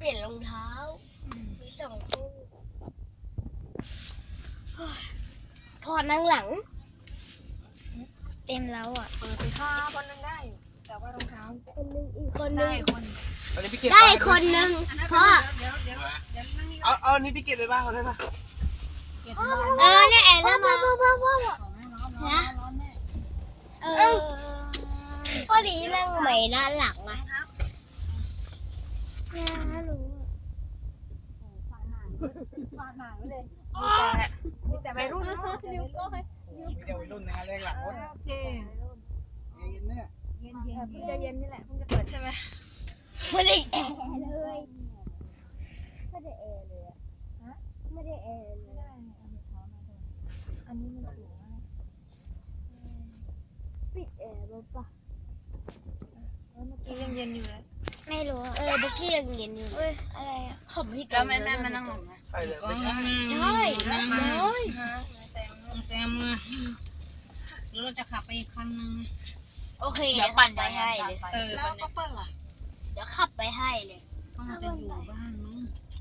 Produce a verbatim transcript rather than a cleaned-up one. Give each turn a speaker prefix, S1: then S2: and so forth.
S1: ปลี่ยนรองเท้ามีสองคู่พอนั่งหลังเต็มแล้วอ่ะ
S2: เปิดไปค่ะคนนึงได้แต่ว่ารองเท้า
S1: คนนึงอีกคนนึ
S2: ได้
S1: ง
S2: คน
S3: อันนี้พี่เก็บ
S1: ได้คนนึงพ่อ
S2: เดี๋ยวเดี๋ยวเดี๋ยวนั่งนี่
S3: เอาเอาอันนี้พี่เก็บไปบ้านเขาได้ปะ
S2: เก็บบ้าน
S1: เออเนี่ยแอนแล้วมาพ่อพ่อพ่อ
S2: ของแม่ร้อนร้อนร้อนแม่
S1: เออพอดีนั่งใหม่ด้านหลังอ่ะเนี่ยรู้
S2: ฟาดหางฟาดหางเลยมีแต่วัยรุ่นนะนิ้วก้อย
S3: มีเดียววัยรุ่นนะครับแรกหลังรถ
S2: โอเค
S3: เย็นเนี่ย
S2: เย็นเย็นเพิ่งจะเย็นนี่แหละเพิ่งจะเปิดใช่ไหม
S1: ไม่ได้แอร์เลยไม่ได้แอร์เลยอะฮะไม่ได้แอร์เลย
S2: อันนี้มันสูงมาก
S1: ปิดแอร์รถปะ
S2: เมื่อกี้ยังเย็นอยู่เลย
S1: ไม่รู้เออเมื่อกี้ยังเย็นอยู่เอ้ยอะไรอ่ะขอบพี่
S2: แล้วแม่แม่มานั่งลงนะ
S3: ใช่เลย
S2: ก็
S3: ไม่ใช่
S1: ใช่น้อย
S2: แต้มมือแล้วเราจะขับไปอีกคันนึง
S1: โอเคเดี๋ยวขับไปให้เลย
S2: เออแล้วก็เปิ้ลล่ะ
S1: เดี๋ยวขับไปให้เลย
S2: ต้องจะอยู่บ้านมั้ง